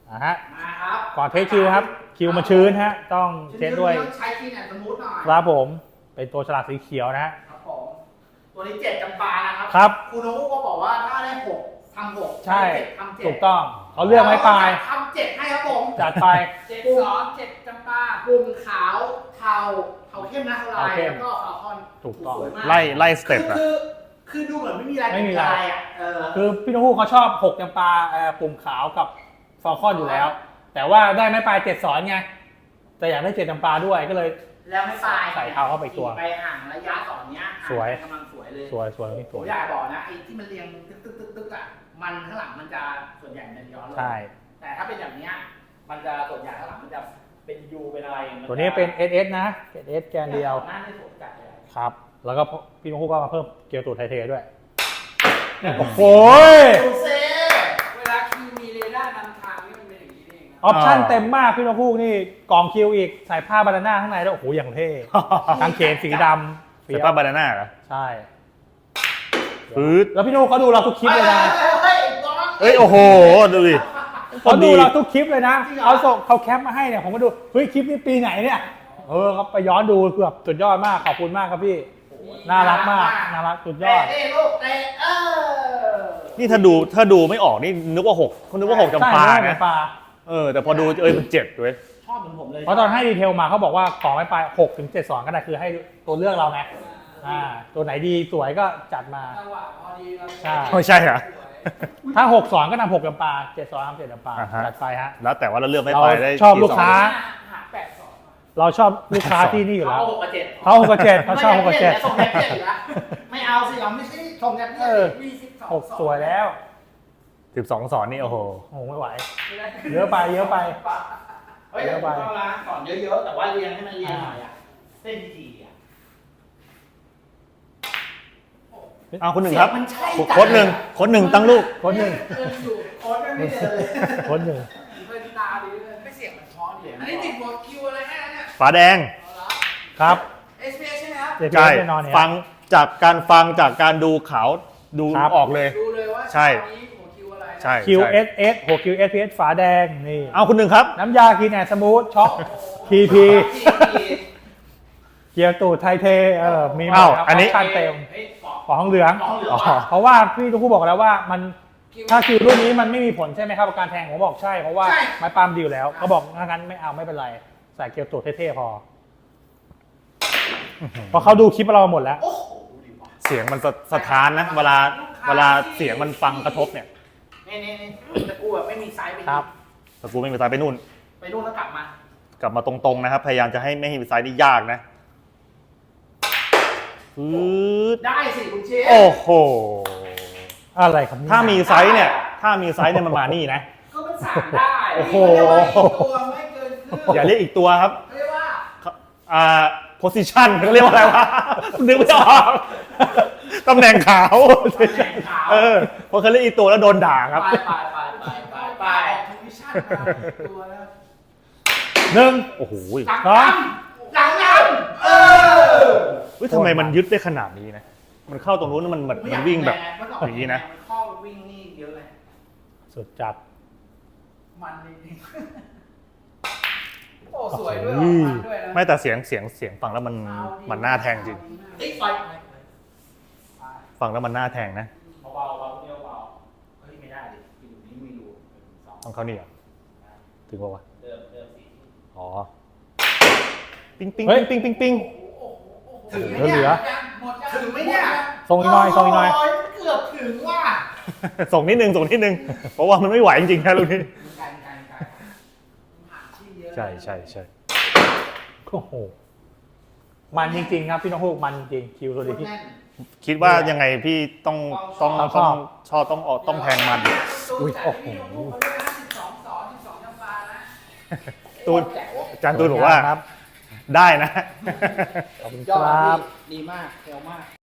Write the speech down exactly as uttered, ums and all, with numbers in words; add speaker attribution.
Speaker 1: อ่ะฮะ
Speaker 2: มาครับ
Speaker 1: ก่อนเทสคิวครับคิวมันชื้นฮะต้องเทสด้วย
Speaker 2: ใช้คีย์แอนด์สมูทหน่อย
Speaker 1: ครับผมเป็นตัวฉลากสีเขียวนะฮะ
Speaker 2: ครับผมตัวนี้เจ็ดจำปานะครับ
Speaker 1: ครับ
Speaker 2: คุณนุ๊กก็บอกว่าถ้าได้หกทำหก
Speaker 1: ใช่
Speaker 2: ทำเจ็ด
Speaker 1: ถูกต้องเขาเลือกไม้ปลาย
Speaker 2: ทำเจ็ดให้ครับผม
Speaker 1: จัดไป
Speaker 2: เจ็ดสองเจ็ดจำปากลุ่มขาวเทาเทาเข้มนะเทาลายแล้วก็ฟาคอน
Speaker 1: ถูกต้อง
Speaker 3: ไล่ไล่สเต็ปอะ
Speaker 2: คือคือดูเหมือนไม่มีอะไร
Speaker 1: ไม่มีอะไร
Speaker 2: อ่ะ
Speaker 1: คือพี่นุ่เขาชอบหกจำปาปุ่มขาวกับฟาคอนอยู่แล้วแต่ว่าได้ไม้ปลายเจ็ดสอนไงแต่อยากได้เจ็ดจำปาด้วยก็เลย
Speaker 2: แล้วไม่ปลาย
Speaker 1: ใส่เท้าเข้าไปตัว
Speaker 2: ไปห่างระยะสอนเนี้ย
Speaker 1: สวย
Speaker 2: กำลังสวยเลย
Speaker 1: สวยสวยนี่สวย
Speaker 2: อยากบอกนะไอ้ที่มันเรียงตึ๊กตึ๊กตึ๊กตึ๊กอ่ะมันข้างหลังมันจะส่วนใหญ่มันย้อนลง
Speaker 1: ใช่
Speaker 2: แต่ถ้าเป็นอย่างเนี้ยมันจะส่วนใหญ่ข้างหลังมันจะเป็นยูเป็นอะไร
Speaker 1: ตัวนี้เป็น เอส เอส นะ เอส เอส แกนเดียว
Speaker 2: หน้าที่สวยจัดเลย
Speaker 1: ครับแล้วก็พี่นุ่ก็มาเพิ่มเกียร์ตูดไทเทด้วยโอ้โห
Speaker 2: เวลาคิวมีเรดาร์นำทางนี่มันเป็นอย่างนี้เอง
Speaker 1: ออปชั่นเต็มมากพี่นกฮูกนี่กล่องคิวอีกใส่ผ้าบานาน่าข้างในแล้วโอ้โหอย่างเท่กางเขนสีดำ
Speaker 3: ใส่ผ้าบานาน่าเหรอ
Speaker 1: ใช่
Speaker 3: ฟืด
Speaker 1: แล้วพี่นกเขาดูเราทุกคลิปเลยนะ
Speaker 3: เฮ้ยโอ้โหดูดิ
Speaker 1: เขาดูเราทุกคลิปเลยนะเขาส่งเขาแคปมาให้เนี่ยผมก็ดูเฮ้ยคลิปนี้ปีไหนเนี่ยเออเขาไปย้อนดูเกือบสุดยอดมากขอบคุณมากครับพี่น่ารักมากน่ารักสุดยอด
Speaker 3: นี่ถ้าดูถ้าดูไม่ออกนี่นึกว่าหกคุณนึกว่าหกจำปานะเออแต่พอดูเอ้ยมันเจ็ดด้วย
Speaker 2: ชอบเหมือนผมเลย
Speaker 1: เพราะตอนให้ดีเทลมาเขาบอกว่าของไม่ไปหกถึงเจ็ดสองก็ได้คือให้ตัวเลือกเราไงอ่าตัวไหนดีสวยก็จัดมา
Speaker 3: ใช่ไม่ใช่เหรอ
Speaker 1: ถ้าหกสองก็นำหกจำปาเจ็ดสองนำเจ็ดจำปาจัดไปฮะ
Speaker 3: แล้วแต่ว่าเราเลือกไม่ไปได้
Speaker 1: ชอบลูกค้าเราชอบลูกค้าที่นี่อยู่แล้ว
Speaker 2: เขาหกกับเจ็ด
Speaker 1: เขาหกกับเจ็ดเขาชอบหกกับเจ็ด
Speaker 2: ส่งแยกเจ็ดอยู่แล้วไม่เอาสิเราไม่ใช่ส่งแยกเจ็ดมีสิบสอง
Speaker 1: หกสวยแล้ว
Speaker 3: สิบสองสอนนี่โอ้โห
Speaker 1: โอ้ไม่ไหวเยอะไปเยอะไป
Speaker 2: เยอะไปสอนเยอะๆแต่ว่าเรียงให้มันเรียงหน่อยอ่ะเส้นดีอ่ะ
Speaker 3: เอาคนหนึ่งครับโค้ดหนึ่งโค้ดหนึ่งตั้งลูก
Speaker 1: โค้ดหนึ่ง
Speaker 2: โค้ดไม่เจอเลย
Speaker 1: โค้ดหนึ่ง
Speaker 2: เป็นตาดีเลยไม่เสียงมันท้อดีอันนี้ติดหัวคิวอะไรแค่นั้นเนี่ย
Speaker 3: ฝาแดง
Speaker 1: ครับ
Speaker 2: เอส พี เอส ใช่ไหมครับ
Speaker 3: ใช่ฟังจากการฟังจากการดูเขาดูออกเลย
Speaker 2: ดูเลยว่า
Speaker 3: ใช่
Speaker 1: ใช่ คิว เอส เอส หัว คิว เอส พี เอส ฝาแดงนี่
Speaker 3: เอาคุณหนึ่งครับ
Speaker 1: น้ำยากินแอนสมูทช็อค พี พี เกียร์ตูดไทเทเออมี
Speaker 3: อ้าวอันนี้
Speaker 1: คันเต็มของทองเหลืองเพราะว่าพี่ทุกผู้บอกแล้วว่ามันถ้าคิวรุ่นนี้มันไม่มีผลใช่ไหมครับการแทงผมบอกใช่เพราะว่าไม้ปาล์มดีอยู่แล้วเขาบอกงั้นไม่เอาไม่เป็นไรใส่เกียร์ตูดเท่ๆพอเพราะเขาดูคลิปเราหมดแล้ว
Speaker 3: เสียงมันสะท้านนะเวลาเวลาเสียงมันฟังกระทบเนี่ย
Speaker 2: นี่นี่นี่ตะกูแบบไม่มีไซส์ไป
Speaker 1: ครับ
Speaker 3: ตะกูไม่มีไซส์ไปนู่น
Speaker 2: ไปนู่นแล้วกลับมาก
Speaker 3: ลับมาตรงๆนะครับพยายามจะให้ไม่มีไซส์นี่ยากนะ
Speaker 2: ได้สิคุณเชฟ
Speaker 3: โอ้โห
Speaker 1: อะไรครับ
Speaker 3: ถ้ามีไซส์เนี่ยถ้ามีไซส์เนี่ยมันมานี่นะ
Speaker 2: ก็มันสั่งได้
Speaker 3: โอ้โห
Speaker 2: ตัวไม่เกินครึ่ง
Speaker 3: อย่าเรียกอีกตัวครับ
Speaker 2: เรียกว่า
Speaker 3: อ่า position เขาเรียกว่าอะไรวะนึกไม่ออกตำแหน่งขาวเออพอเขาเรียกอีกตัวแล้วโดนด่าครับ
Speaker 2: ไปไปไปไปไปไป position ตัวแล้ว
Speaker 1: หนึ่ง
Speaker 3: โอ้โห
Speaker 2: สองหลังน้ำเออ
Speaker 3: เฮ้ยทำไมมันยึดได้ขนาดนี้นะมันเข้าตรงนู้นมันมันวิ่งแบบอย่างนี้นะ
Speaker 2: เข้าวิ่งนี่เยอะเลย
Speaker 1: สุดจัด
Speaker 2: มันจริงโอ้สวยด้วยด้วยนะ
Speaker 3: ไม่แต่เสียงเสียงเสียงฟังแล้วมันมันน่าแทงจริงฟังแล้วมันน่าแทงนะ
Speaker 2: เบาเบาเบาเดียวเบาเฮ้ยไม่ได้ดิอยู่นี้มีรู
Speaker 3: ต้องเขานี่เหรอถึงป่าวะ
Speaker 2: เดิมเดิมสิ
Speaker 3: อ๋อปิ้งปิ้งปิ้งปิ้งปิ้ง
Speaker 1: เหลือเหลือ
Speaker 2: ถึงไหมเนี่ย
Speaker 1: ส่งอีกหน่อยส่งอีกหน่อย
Speaker 2: เกือบถึงว่ะ
Speaker 3: ส่งนิดนึงส่งนิดนึงเพราะว่ามันไม่ไหวจริงๆนะลูกนี้ใช่ใช่ใช่
Speaker 1: โอ้โหมันจริงๆครับพี่น้องฮูกมันจริงคิวตัวนี้พี่
Speaker 3: คิดว่ายังไงพี่ต้องต้องต้องชอบต้องออกต้องแทงมัน
Speaker 1: อุ้ยโอ้โห
Speaker 3: ตูนอาจารย์ตูนบอกว่าได้นะ
Speaker 1: ขอบคุณครับ
Speaker 2: ดีมากเร็วมาก